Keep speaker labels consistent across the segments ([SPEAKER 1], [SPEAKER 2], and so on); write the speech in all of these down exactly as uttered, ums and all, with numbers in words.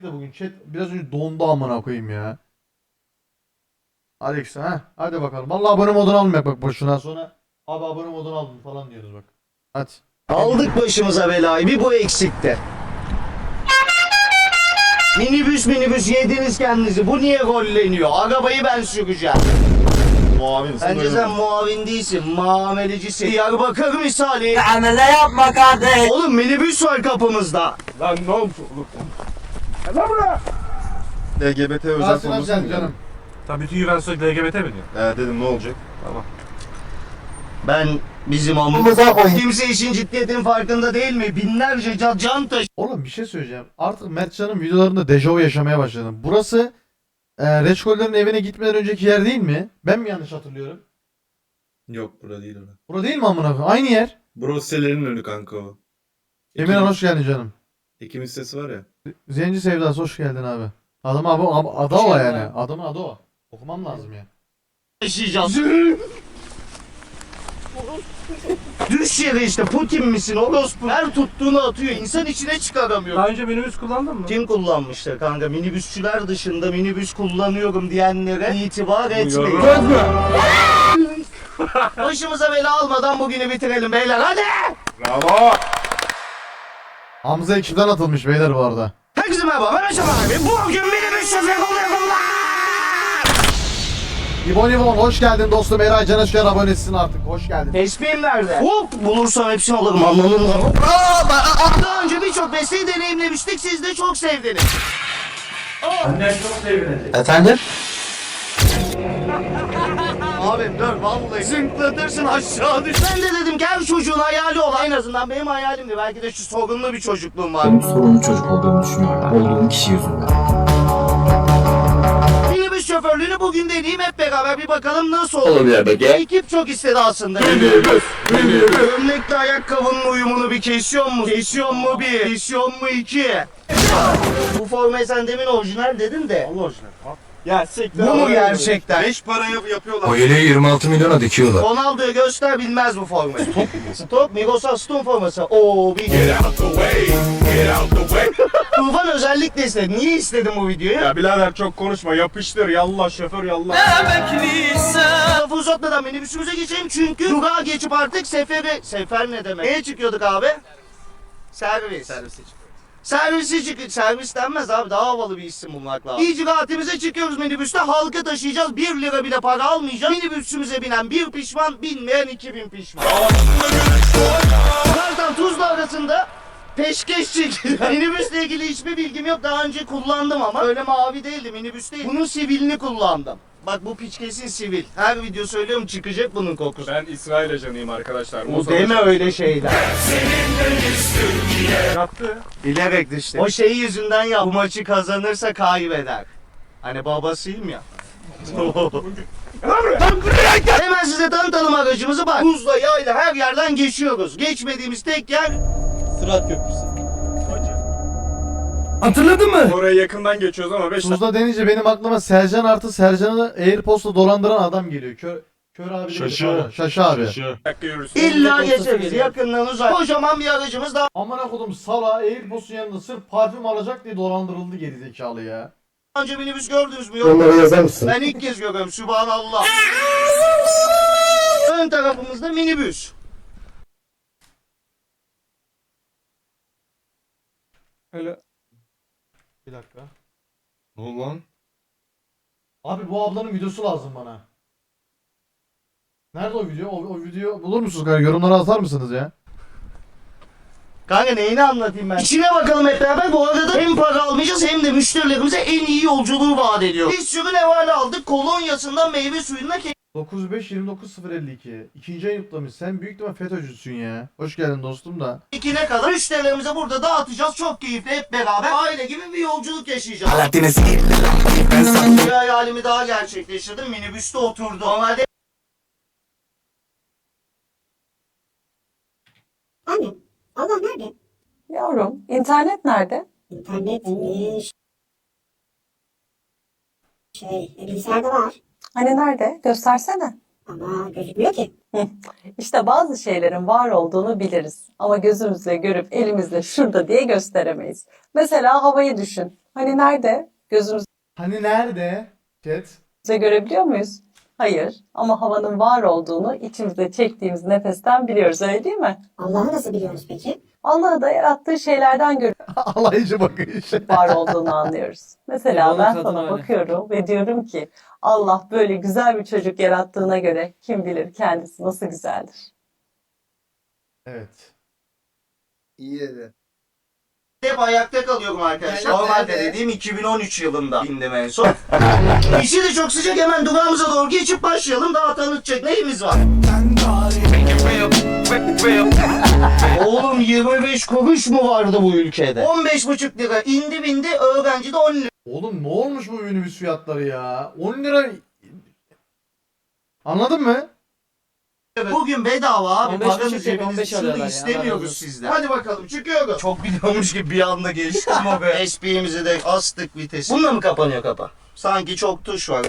[SPEAKER 1] de bugün chat biraz önce dondu amına koyayım ya. Alex ha hadi bakalım. Vallahi abone modunu almayak bak boşuna sonra abi abone modunu aldım falan diyoruz bak. Hadi.
[SPEAKER 2] Aldık başımıza belayı. Bir bu eksikti. Minibüs minibüs yediniz kendinizi. Bu niye rolleniyor? Arabayı ben süreceğim.
[SPEAKER 3] Muavinsin.
[SPEAKER 2] Bence sen muavin değilsin. Muamelecisin. Diyarbakır misali.
[SPEAKER 4] Amele yapma kardeş.
[SPEAKER 2] Oğlum minibüs var kapımızda.
[SPEAKER 3] Lan ne oldu? Lan buraya. L G B T özel
[SPEAKER 1] Rasim
[SPEAKER 3] konusu
[SPEAKER 1] Hocam
[SPEAKER 3] mu
[SPEAKER 1] canım.
[SPEAKER 5] Tabii bütün ben sürekli L G B T mi diyor?
[SPEAKER 3] Ee, dedim ne olacak?
[SPEAKER 5] Tamam.
[SPEAKER 2] Ben bizim amımıza koyayım. Kimse işin ciddiyetinin farkında değil mi? Binlerce can, can taşı.
[SPEAKER 1] Oğlum bir şey söyleyeceğim. Artık Mertcan'ın videolarında dejavu yaşamaya başladım. Burası e, Reçkoller'in evine gitmeden önceki yer değil mi? Ben mi yanlış hatırlıyorum?
[SPEAKER 6] Yok bura değil orası.
[SPEAKER 1] Bura değil mi amına koyayım? Aynı yer.
[SPEAKER 6] Brossel'lerin önü kanka o.
[SPEAKER 1] Emirhan hoş geldin canım.
[SPEAKER 6] Ekim hissesi var ya.
[SPEAKER 1] Zenci Sevdası hoş geldin abi. Adam abi ab- adı o yani. Adamın adı o. Okumam lazım ya.
[SPEAKER 2] Taşıyacağız. Düş yere işte Putin misin orospu? Her tuttuğunu atıyor. İnsan içine çıkaramıyor.
[SPEAKER 5] Daha önce minibüs kullandın mı?
[SPEAKER 2] Kim kullanmıştır kanka? Minibüsçüler dışında minibüs kullanıyorum diyenlere itibar etmeyin.
[SPEAKER 5] Söz mü?
[SPEAKER 2] Başımıza bela almadan bugünü bitirelim beyler hadi!
[SPEAKER 3] Bravo.
[SPEAKER 1] Hamza ekipten atılmış beyler bu arada.
[SPEAKER 2] Herkese merhaba ben Aşam abi. Bugün minibüs şoförü oluyorum lan!
[SPEAKER 1] İbon İbon hoş geldin dostum. Eray Can Özkan abonesisin artık. Hoş geldin.
[SPEAKER 2] Tespihim nerede? Hop! Bulursam hepsini alırım anladın mı? Daha önce birçok mesleği deneyimlemiştik siz de çok sevdiniz.
[SPEAKER 4] Efendim?
[SPEAKER 2] Abim dur vallahi zınklatırsın aşağı düş. Ben de dedim ki her çocuğun hayali olan en azından benim hayalimdi. Belki de şu sorunlu bir çocukluğum var.
[SPEAKER 7] Benim sorunlu çocuk olduğumu düşünüyorum. Olduğum kişi yüzünden.
[SPEAKER 2] Minibüs şoförlüğünü bugün deneyeyim hep beraber bir bakalım nasıl olur. Ekip çok istedi aslında. Minibüs, minibüs. Gömlekle ayakkabının uyumunu bir kesiyor mu? Kesiyor mu bir? Kesiyor mu iki? Bu formayı sen demin orijinal dedin de.
[SPEAKER 3] Allah orijinal. Ya siktir.
[SPEAKER 2] Bu mu gerçekten?
[SPEAKER 3] Beş paraya yapıyorlar.
[SPEAKER 7] O yeleği yirmi altı milyona dikiyorlar.
[SPEAKER 2] Ronaldo'yu göster bilmez bu formayı. Stok, Miroslav Stone forması. Oo bir... Tufan özellikle istedi. Niye istedin bu videoyu?
[SPEAKER 3] Ya birader çok konuşma. Yapıştır. Yallah şoför yallah.
[SPEAKER 2] Lafı uzatmadan minibüsümüze geçelim çünkü durağa geçip artık seferi... Sefer ne demek? Neye çıkıyorduk abi? Servis. Servise çıkıyoruz. Servisi çık... Servis denmez abi daha havalı bir isim bulmak lazım. İcraatimize çıkıyoruz minibüste halka taşıyacağız. Bir lira bile para almayacağız. Minibüsümüze binen bir pişman, binmeyen iki bin pişman. Kartal Tuzla arasında peşkeş çekildi. Minibüsle ilgili hiçbir bilgim yok. Daha önce kullandım ama öyle mavi değildi minibüs değil. Bunun sivilini kullandım. Bak bu piç kesin sivil. Her video söylüyorum çıkacak bunun kokusu.
[SPEAKER 3] Ben İsrail ajanıyım arkadaşlar.
[SPEAKER 2] Bu deme öyle şeyler.
[SPEAKER 3] Yaptı.
[SPEAKER 2] Bilerek işte. O şeyi yüzünden ya. Bu maçı kazanırsa kaybeder. Hani babasıyım ya. Hemen size tanıtalım aracımızı bak. Buzla yayla her yerden geçiyoruz. Geçmediğimiz tek yer
[SPEAKER 4] Sırat köprüsü.
[SPEAKER 5] Hatırladın mı?
[SPEAKER 3] Oraya yakından geçiyoruz ama beş
[SPEAKER 1] Tuzla denince benim aklıma Sercan artı Sercan'ı Airpost'la dolandıran adam geliyor. Kör, kör abi.
[SPEAKER 6] Şaşı.
[SPEAKER 1] Şaşı abi.
[SPEAKER 3] dakika yürürsün.
[SPEAKER 2] illa geçeriz. Yakından uzak. Kocaman bir aracımız daha.
[SPEAKER 1] Amına kodum sala Airpost'un yanında sırf parfüm alacak diye dolandırıldı gerizekalı ya.
[SPEAKER 2] Önce minibüs gördünüz mü? Yok.
[SPEAKER 7] Onlara yazar mısın?
[SPEAKER 2] Ben ilk kez görüyorum. Sübhanallah. Ön tarafımızda minibüs.
[SPEAKER 3] Öyle.
[SPEAKER 1] Bir dakika.
[SPEAKER 6] Ne oldu lan?
[SPEAKER 1] Abi bu ablanın videosu lazım bana. Nerede o video? O, o video bulur musunuz kanka? Yorumlara atar mısınız ya?
[SPEAKER 2] Kanka neyini anlatayım ben? İçine bakalım hep beraber. Bu arada hem para almayacağız hem de müşterilerimize en iyi yolculuğu vaat ediyor. Bir sürü nevale aldık. Kolonyasından meyve suyuna ke-
[SPEAKER 1] dokuz beş yirmi dokuz sıfır elli iki. İkinci ay yutlamış. Sen büyük ihtimal FETÖ'cüsün ya. Hoş geldin dostum da.
[SPEAKER 2] ikine kadar müşterilerimize burada dağıtacağız. Çok keyifli hep beraber aile gibi bir yolculuk yaşayacağız. Bir hayalimi daha gerçekleştirdim. Minibüste oturdum. Normalde
[SPEAKER 8] Anne, ablam nerede?
[SPEAKER 9] Yavrum, internet nerede?
[SPEAKER 8] İnternet mi? Şey, e, bilgisayarda var.
[SPEAKER 9] Hani nerede? Göstersene.
[SPEAKER 8] Ama gözükmüyor ki.
[SPEAKER 9] İşte bazı şeylerin var olduğunu biliriz. Ama gözümüzle görüp elimizle şurada diye gösteremeyiz. Mesela havayı düşün. Hani nerede? Gözümüzle
[SPEAKER 1] Hani nerede? Chat.
[SPEAKER 9] görebiliyor muyuz? Hayır. Ama havanın var olduğunu içimizde çektiğimiz nefesten biliyoruz, öyle değil mi?
[SPEAKER 8] Allah'ı nasıl biliyoruz peki?
[SPEAKER 9] Allah'ı da yarattığı şeylerden görüp
[SPEAKER 1] Alaycı bakış.
[SPEAKER 9] var olduğunu anlıyoruz. Mesela
[SPEAKER 4] Bana
[SPEAKER 9] ben
[SPEAKER 4] kadın
[SPEAKER 9] sana
[SPEAKER 4] öyle.
[SPEAKER 9] bakıyorum ve diyorum ki Allah böyle güzel bir çocuk yarattığına göre kim bilir kendisi nasıl güzeldir.
[SPEAKER 1] Evet.
[SPEAKER 3] İyi dedi.
[SPEAKER 2] Hep ayakta kalıyorum arkadaşlar. Normalde dediğim iki bin on üç yılında bindim en son. İşi de çok sıcak, hemen durağımıza doğru geçip başlayalım. Daha tanıtacak neyimiz var? Oğlum yirmi beş kuruş mu vardı bu ülkede? on beş buçuk lira indi bindi, öğrenci de on lira.
[SPEAKER 1] Oğlum ne olmuş bu minibüs fiyatları ya? on lira. Anladın mı?
[SPEAKER 2] Bugün bedava abi.
[SPEAKER 4] on beş
[SPEAKER 2] Paranın
[SPEAKER 4] buçuk değil, on beş
[SPEAKER 2] cebinizde
[SPEAKER 4] alıyorlar ya,
[SPEAKER 2] istemiyoruz
[SPEAKER 4] Allah razı
[SPEAKER 2] sizden. Hadi bakalım çıkıyoruz. Çok biliyormuş gibi bir anda geçtim o be. Esprimizi de astık vitesi. Bununla mı kapanıyor kapı? Sanki çok tuş var.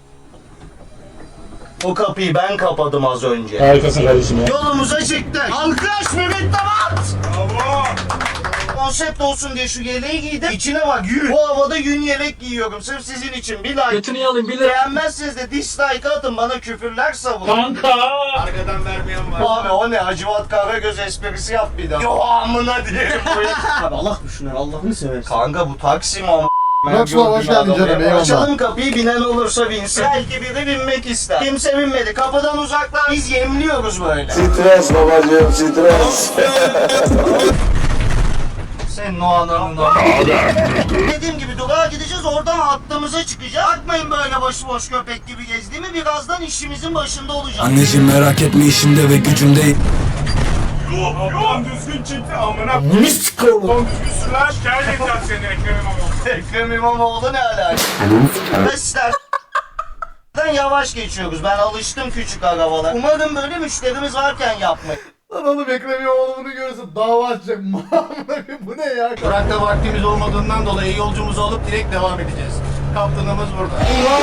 [SPEAKER 2] O kapıyı ben kapadım az önce.
[SPEAKER 7] Harikasın kardeşim ya.
[SPEAKER 2] Yolumuza çıktık. Alkış mürettebat. Bravo. Konsept olsun diye şu yeleği giydim. İçine bak yün. Bu havada yün yelek giyiyorum. Sırf sizin için. Bir like.
[SPEAKER 4] Götünü yalayım bir lira.
[SPEAKER 2] Beğenmezseniz de dislike atın. Bana küfürler savun.
[SPEAKER 7] Kanka.
[SPEAKER 2] Arkadan vermeyen var. Abi o ne? Hacivat Karagöz esprisi yap bir daha. Yo amına diyelim buraya. Abi Allah düşünür. Allah'ını seversen. Kanka bu Taksim ama.
[SPEAKER 1] Rockstar, hoş geldin canım, eyvallah.
[SPEAKER 2] Açalım kapıyı, binen olursa binsin. Belki biri binmek ister. Kimse binmedi. Kapıdan uzaklar. Biz yemliyoruz böyle.
[SPEAKER 7] Stres babacığım stres.
[SPEAKER 2] Senin o ananın o. Dediğim gibi durağa gideceğiz, oradan hattımıza çıkacağız. Bakmayın böyle başıboş köpek gibi gezdiğimi, birazdan işimizin başında olacağız.
[SPEAKER 7] Anneciğim merak etme işimde ve gücümde.
[SPEAKER 5] Lan düzgün çekti amına.
[SPEAKER 7] Bunu sıkalım.
[SPEAKER 5] Son düzgün sürler. Şikayet edeceğim seni Ekrem İmamoğlu.
[SPEAKER 2] Ekrem İmamoğlu ne alaka? Mesela yavaş geçiyoruz. Ben alıştım küçük arabalar. Umarım böyle müşterimiz varken yapmayın.
[SPEAKER 1] Lan oğlum Ekrem İmamoğlu bunu görürse dava açacak. Bu ne ya?
[SPEAKER 2] Durakta vaktimiz olmadığından dolayı yolcumuzu alıp direkt devam edeceğiz. Kaptanımız burada.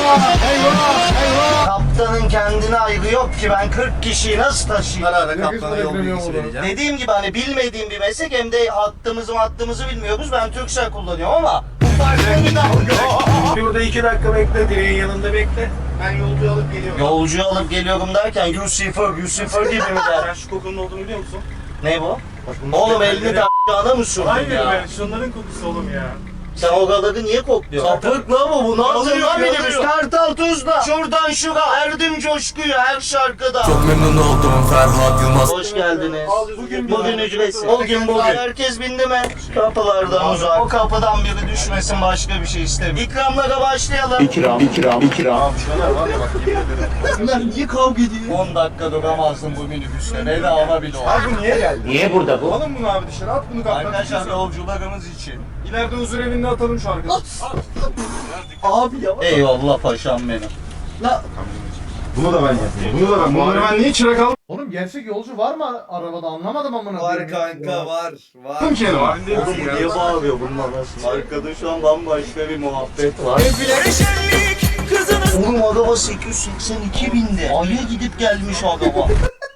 [SPEAKER 2] Kaptanın kendine ayrı yok ki, ben kırk kişiyi nasıl taşıyayım? Ara ara
[SPEAKER 1] kaptana yol bilgisi vereceğim.
[SPEAKER 2] Dediğim gibi hani bilmediğim bir meslek, hem de hattımızı hattımızı bilmiyoruz. Ben Türksel kullanıyorum ama bu farklı dalga.
[SPEAKER 5] Burada iki dakika bekle, direğin yanında bekle. Ben yolcu alıp geliyorum.
[SPEAKER 2] Yolcu alıp geliyorum derken Lucifer, Lucifer gibi mi der?
[SPEAKER 5] Sen şu kokunun olduğunu biliyor musun?
[SPEAKER 2] Ne bu? Oğlum elini de a**ana mı sürdün
[SPEAKER 5] Hayır
[SPEAKER 2] ya?
[SPEAKER 5] be, şunların kokusu oğlum ya.
[SPEAKER 2] Sen o galadı niye kokluyorsun? Sapık la bu, bu nasıl
[SPEAKER 5] Alıyor,
[SPEAKER 2] lan minibüs?
[SPEAKER 5] alıyor.
[SPEAKER 2] Kartal Tuzla, şuradan şura, Erdim Coşku'yu her şarkıda.
[SPEAKER 7] Çok memnun oldum Ferhat Yılmaz.
[SPEAKER 2] Hoş geldiniz.
[SPEAKER 5] Bugün
[SPEAKER 2] Bugün ücretsiz. O gün bugün. Herkes bindi mi? Kapılardan uzak. O kapıdan biri düşmesin, başka bir şey istemiyorum. İkramlara başlayalım.
[SPEAKER 7] İkram, ikram, ikram.
[SPEAKER 2] Bunlar niye kavga ediyor? on dakika duramazsın bu minibüste. Bedava bile o.
[SPEAKER 5] Abi bu niye geldi?
[SPEAKER 2] Niye burada bu?
[SPEAKER 5] Alın bunu abi dışarı, at bunu kaptan.
[SPEAKER 2] Arkadaşlar yolcularımız için.
[SPEAKER 5] İleride huzur evinde atalım şu arkadaşı.
[SPEAKER 2] Abi ya. Eyvallah paşam benim.
[SPEAKER 3] Bunu da ben yapayım. Bunu da ben. Bunları ben niye çırak aldım
[SPEAKER 1] Oğlum gerçek yolcu var mı arabada, anlamadım amına
[SPEAKER 6] Var
[SPEAKER 1] koyayım.
[SPEAKER 6] kanka var. Var.
[SPEAKER 3] ki yanıma?
[SPEAKER 2] Oğlum bu niye bağırıyor bunun anasını? Arkada şu an bambaşka bir muhabbet var. Oğlum araba sekiz yüz seksen iki binde. Ay'a gidip gelmiş araba.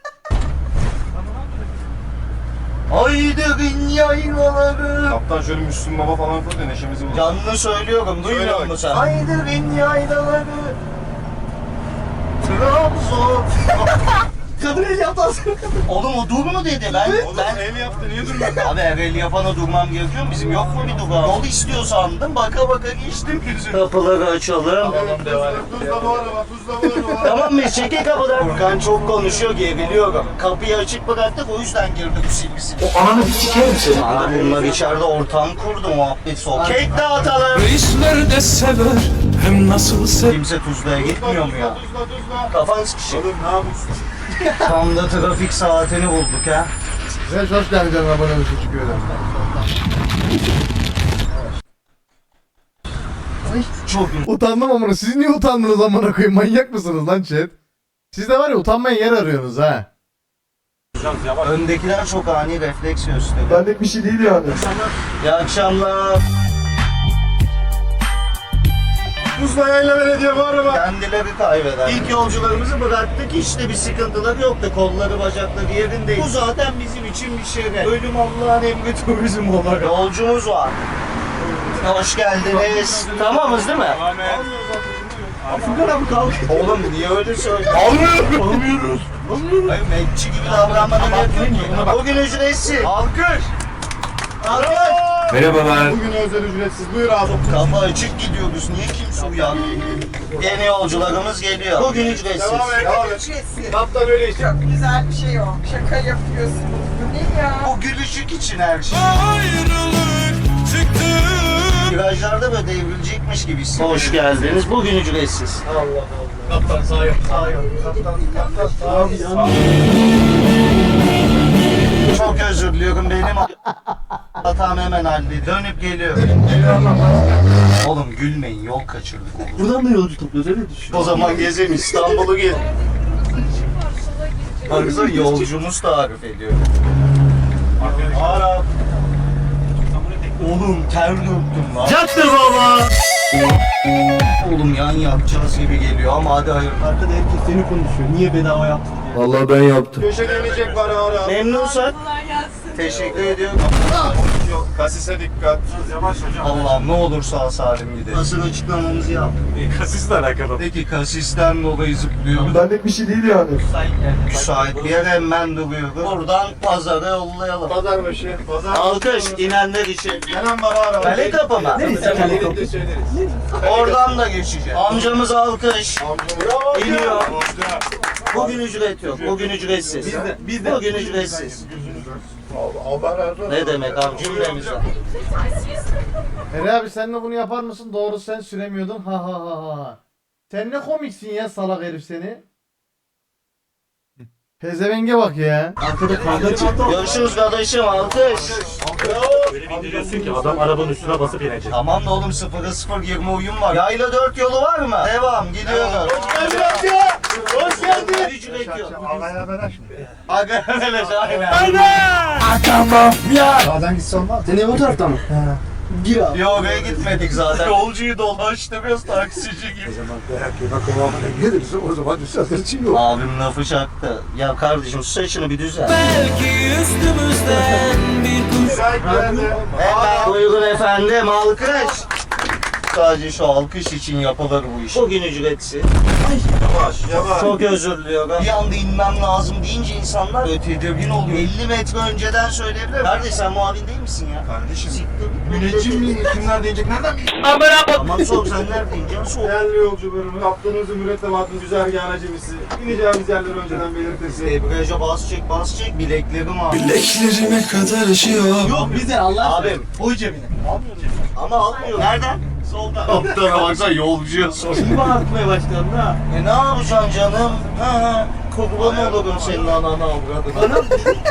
[SPEAKER 2] Aydın yaylaları.
[SPEAKER 3] Kaptan şöyle Müslüm Baba falan koy da neşemizi bul.
[SPEAKER 2] Canlı söylüyorum, duymuyor
[SPEAKER 3] Söyle
[SPEAKER 2] musun sen? Aydın yaylaları. Trabzon. Kadın el yaptı. Oğlum o dur mu dedi? Ben,
[SPEAKER 3] Oğlum
[SPEAKER 2] ben
[SPEAKER 3] el yaptı niye durmuyor?
[SPEAKER 2] Abi her el yapana durmam gerekiyor mu? Bizim yok mu bir duvar? Yol istiyor sandım. Baka baka geçtim. Kapıları açalım.
[SPEAKER 3] Tuzla bu araba, tuzla bu araba.
[SPEAKER 2] Tamam mı? Çekil kapıdan. Furkan çok konuşuyor, geriliyorum. Kapıyı açık bıraktık, o yüzden girdik silgisi. O ananı bir sikerim seni. Abi bunlar içeride ortam kurdu, muhabbet soğuk. Kek dağıtalım.
[SPEAKER 7] Reisler de sever hem nasıl sever.
[SPEAKER 2] Kimse Tuzla'ya gitmiyor mu ya?
[SPEAKER 3] Tuzla tuzla.
[SPEAKER 2] Kafan sıkışık.
[SPEAKER 3] Oğlum ne yapıyorsun?
[SPEAKER 2] Tam da trafik saatini bulduk ha.
[SPEAKER 1] Sen hoş geldin canım, abone olmuşsun çıkıyor da.
[SPEAKER 2] Çok
[SPEAKER 1] Utandım amına. Siz niye utandınız amına koyayım? Manyak mısınız lan chat? Siz de var ya utanmaya yer arıyorsunuz ha.
[SPEAKER 2] Öndekiler çok ani refleks gösteriyor.
[SPEAKER 3] Benlik bir şey değil yani.
[SPEAKER 2] İyi akşamlar.
[SPEAKER 3] Tuzla Yayla Belediye bu araba.
[SPEAKER 2] Kendileri kaybeder. İlk yolcularımızı bıraktık, işte bir sıkıntıları yoktu. Kolları, bacakları yerindeydi. Bu zaten bizim için bir şeref. Ölüm Allah'ın emri, turizm olarak. Yolcumuz var. Hoş geldiniz. Tamamız değil mi? Furkan abi kalk. Oğlum niye öyle söylüyorsun? Almıyoruz. Almıyoruz. Hayır, mekçi gibi davranmanı bekliyorum. Bugün ücretsiz. Alkış. Alkış.
[SPEAKER 6] Merhabalar.
[SPEAKER 3] Bugün özel ücretsiz. Buyur abi.
[SPEAKER 2] Kafa açık gidiyoruz. Niye kimse uyanmıyor? Yeni yolcularımız geliyor. Bugün ücretsiz.
[SPEAKER 3] Devam et. Devam et. Kaptan öyle işte.
[SPEAKER 10] Güzel bir şey o. Şaka yapıyorsunuz. Bu ne ya?
[SPEAKER 2] Bu gülüşük için her şey. Virajlarda böyle devrilecekmiş gibi hissediyorum. Hoş geldiniz. Bugün ücretsiz.
[SPEAKER 3] Allah Allah. Kaptan sağ yok. Sağ yok. Kaptan, kaptan sağ yok.
[SPEAKER 2] Çok özür diliyorum, benim hatam, hemen halledin. Dönüp geliyor. Oğlum gülmeyin, yol kaçırdık oğlum.
[SPEAKER 4] Buradan da yolcu topluyoruz öyle düşün.
[SPEAKER 2] O zaman gezeyim, İstanbul'u gez. Baksana yolcumuz tarif ediyor. Arap. Oğlum ter döktüm lan. Yaktır baba. Oğlum yan yapacağız gibi geliyor ama hadi hayır.
[SPEAKER 4] Arkada herkes seni konuşuyor. Niye bedava yaptın diye.
[SPEAKER 6] Vallahi ben yaptım.
[SPEAKER 3] Köşeden inecek var ara.
[SPEAKER 2] Memnunsak teşekkür ediyorum.
[SPEAKER 3] Yok. Kasise dikkat. Yavaş hocam.
[SPEAKER 2] Allah'ım ne olur sağ salim gidelim. Nasıl açıklamamızı yap.
[SPEAKER 3] Kasisle alakalı.
[SPEAKER 2] Peki kasisten dolayı zıplıyoruz.
[SPEAKER 3] Benlik bir şey değil yani.
[SPEAKER 2] Müsait bir yere hemen duruyoruz. Buradan pazara yollayalım.
[SPEAKER 3] Pazar başı. Pazar.
[SPEAKER 2] Alkış inenler için.
[SPEAKER 3] Gelen var ara.
[SPEAKER 2] Kale kapı mı?
[SPEAKER 3] Kale kapı. Söyleriz.
[SPEAKER 2] Oradan da geçeceğiz. Amcamız alkış.
[SPEAKER 3] Bravo.
[SPEAKER 2] İniyor.
[SPEAKER 3] Amca.
[SPEAKER 2] Bugün ücret yok. Bugün ücretsiz. Biz de, biz de. Bugün ücretsiz.
[SPEAKER 3] Allah razı olsun.
[SPEAKER 2] Ne demek abi cümlemize.
[SPEAKER 1] Ere abi sen de bunu yapar mısın? Doğru sen süremiyordun. Ha ha ha ha. Sen ne komiksin ya salak herif seni. Pezevenge bak ya.
[SPEAKER 4] Arkada kavga çıktı.
[SPEAKER 2] Görüşürüz kardeşim alkış.
[SPEAKER 5] Öyle bir indiriyorsun ki adam arabanın üstüne basıp inecek.
[SPEAKER 2] Tamam da oğlum sıfıra sıfır yirmi uyum var. Yayla dört yolu var mı? Devam gidiyoruz.
[SPEAKER 3] Hoş geldin amca.
[SPEAKER 2] Hoş geldin. Ücret yok.
[SPEAKER 3] Ağaya beraş mı?
[SPEAKER 2] Aga öyle aynen.
[SPEAKER 3] Sağdan gitse olmaz.
[SPEAKER 4] Sen ev o tarafta mı? Gir abi.
[SPEAKER 2] Yok oraya gitmedik zaten. Yolcuyu dolaştırıyoruz taksici gibi.
[SPEAKER 3] Gelirse o zaman düzeltir için yok.
[SPEAKER 2] Abim lafı çaktı. Ya kardeşim şu saçını bir düzen.
[SPEAKER 3] Müsait geldi.
[SPEAKER 2] Hemen buyurun efendim alkış. Sadece şu alkış için yapılır bu iş. Bugün ücretsiz.
[SPEAKER 3] Yavaş yavaş.
[SPEAKER 2] Çok özür diliyorum. Bir anda inmem lazım deyince insanlar böyle tedirgin oluyor. elli metre önceden söyleyebilir. Kardeş sen muavin değil misin ya?
[SPEAKER 3] Kardeşim.
[SPEAKER 2] Siktir.
[SPEAKER 3] Müneccim miyim? Kimler diyecek? Nereden bileyim?
[SPEAKER 2] Tamam sok sen nerede ineceksin sok.
[SPEAKER 3] Değerli yolcularımız, kaptanımızın mürettebatın güzergahına cemisi. İneceğimiz yerleri önceden belirtirsin.
[SPEAKER 2] Debriyaja bas çek bas çek bileklerim abi.
[SPEAKER 7] Bileklerime kadar ışıyor.
[SPEAKER 4] Yok bize Allah aşkına.
[SPEAKER 2] Abim.
[SPEAKER 4] Koy cebine.
[SPEAKER 2] Ama almıyor. Nereden? Soldan. Kaptana baksana yolcuya sor.
[SPEAKER 4] Şimdi bağırtmaya başladın ha.
[SPEAKER 2] E ne yapacaksın canım? Ha ha. Kurban olurum senin ananı avradına.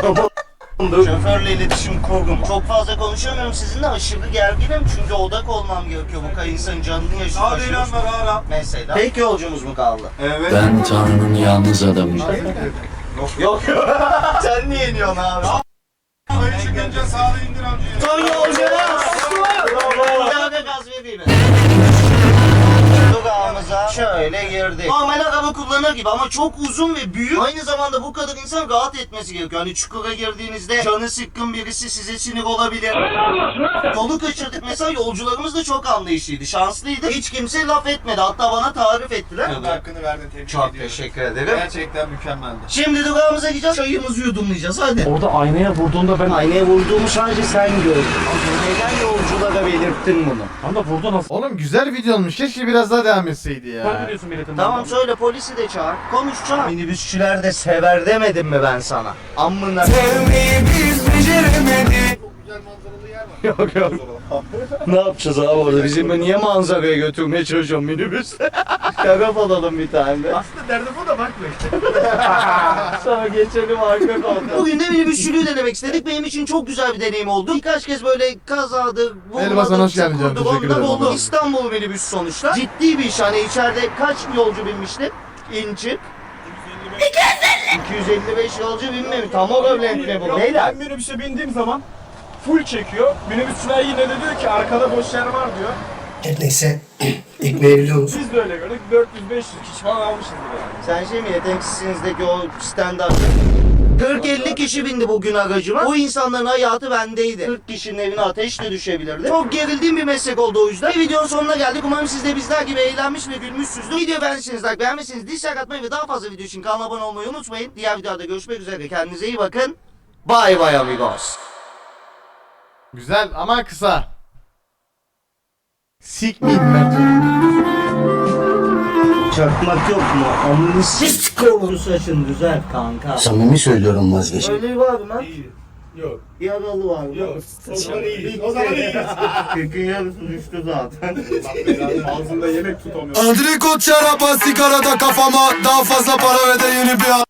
[SPEAKER 2] Şoförle iletişim kurdum. Çok fazla konuşamıyorum sizinle, aşırı gerginim çünkü odak olmam gerekiyor. Bu kadar insanın canını yaşıyor.
[SPEAKER 3] Hadi ilan ver ara.
[SPEAKER 2] Mesela. Tek yolcumuz mu kaldı?
[SPEAKER 3] Evet.
[SPEAKER 7] Ben Tanrı'nın yalnız adamıyım.
[SPEAKER 2] Yok. Sen niye iniyorsun abi?
[SPEAKER 3] Ayı çıkınca sağda indir amcayı.
[SPEAKER 2] Son yolcumuz. Bravo. Bir gaz vereyim. Durağımıza şöyle girdik. Normal araba kullanır gibi ama çok uzun ve büyük. Aynı zamanda bu kadar insan rahat etmesi gerekiyor. Hani çukura girdiğinizde canı sıkkın birisi size sinir olabilir. Yolu kaçırdık mesela, yolcularımız da çok anlayışlıydı. Şanslıydı. Hiç kimse laf etmedi. Hatta bana tarif ettiler.
[SPEAKER 3] Hakkını verdin, tebrik
[SPEAKER 2] Çok
[SPEAKER 3] ediyorum.
[SPEAKER 2] teşekkür ederim.
[SPEAKER 3] Gerçekten mükemmeldi.
[SPEAKER 2] Şimdi durağımıza gideceğiz. Çayımızı yudumlayacağız. Hadi.
[SPEAKER 4] Orada aynaya vurduğunda ben...
[SPEAKER 2] Aynaya vurduğumu sadece sen gördün. Neden yolculara belirttin bunu?
[SPEAKER 4] Tam da vurdu nasıl?
[SPEAKER 1] Oğlum güzel video olmuş. Keşke biraz daha devam etseydi ya.
[SPEAKER 4] Sen biliyorsun milletin.
[SPEAKER 2] Tamam söyle, polisi de çağır. Konuş çağır. Minibüsçüler de sever demedim mi ben sana? Amına.
[SPEAKER 7] Sevmeyi biz beceremedik.
[SPEAKER 2] Yok yok. Ne yapacağız abi orada? Bizim niye manzaraya götürmeye çalışıyorum minibüste? Şarap alalım bir tane de.
[SPEAKER 3] Aslında derdim bu da bakma işte.
[SPEAKER 2] Sonra geçelim arka koltuğa. Bugün de minibüsçülüğü denemek istedik. Benim için çok güzel bir deneyim oldu. Birkaç kez böyle kazadır,
[SPEAKER 1] Elbasan hoş geldin canım,
[SPEAKER 2] çukurdur,
[SPEAKER 1] teşekkür
[SPEAKER 2] onlar
[SPEAKER 1] ederim.
[SPEAKER 2] oldu. İstanbul minibüs sonuçta. Ciddi bir iş. Hani içeride kaç yolcu binmişti? İn çık. iki yüz elli beş yolcu binmemiş. Tam o bölentine bu. Beyler.
[SPEAKER 3] Ben minibüse bindiğim zaman full çekiyor. Minibüsçüler yine de diyor ki arkada boş yer var diyor.
[SPEAKER 7] Her neyse Ekmeği musun?
[SPEAKER 3] Biz de öyle gördük. dört yüz beş yüz kişi falan almışızdır yani.
[SPEAKER 2] Sen şey mi yeteneksizsinizdeki o stand-up? kırk elli kişi bindi bugün aracıma. O insanların hayatı bendeydi. kırk kişinin evine ateş de düşebilirdi. Çok gerildiğim bir meslek oldu o yüzden. Bir videonun sonuna geldik. Umarım siz de bizler gibi eğlenmiş ve gülmüşsünüzdür. Videoyu beğendiyseniz like, beğenmezseniz dislike atmayı ve daha fazla video için kanala abone olmayı unutmayın. Diğer videoda görüşmek üzere. Kendinize iyi bakın. Bye bye amigos.
[SPEAKER 1] Güzel ama kısa. Sikmeyin Mertcan'ı.
[SPEAKER 2] Çakmak yok mu? Amını s**k saçın güzel kanka.
[SPEAKER 7] Samimi söylüyorum vazgeç.
[SPEAKER 2] Öyle var mı?
[SPEAKER 3] Yok.
[SPEAKER 2] Yaralı var mı?
[SPEAKER 3] Yok. O zaman iyiyiz. O zaman iyiyiz.
[SPEAKER 2] Kırkın yarısı düştü zaten.
[SPEAKER 3] Ağzında yemek tutamıyor.
[SPEAKER 7] Andrikot şaraba sigarada kafama daha fazla para ve de yeni bir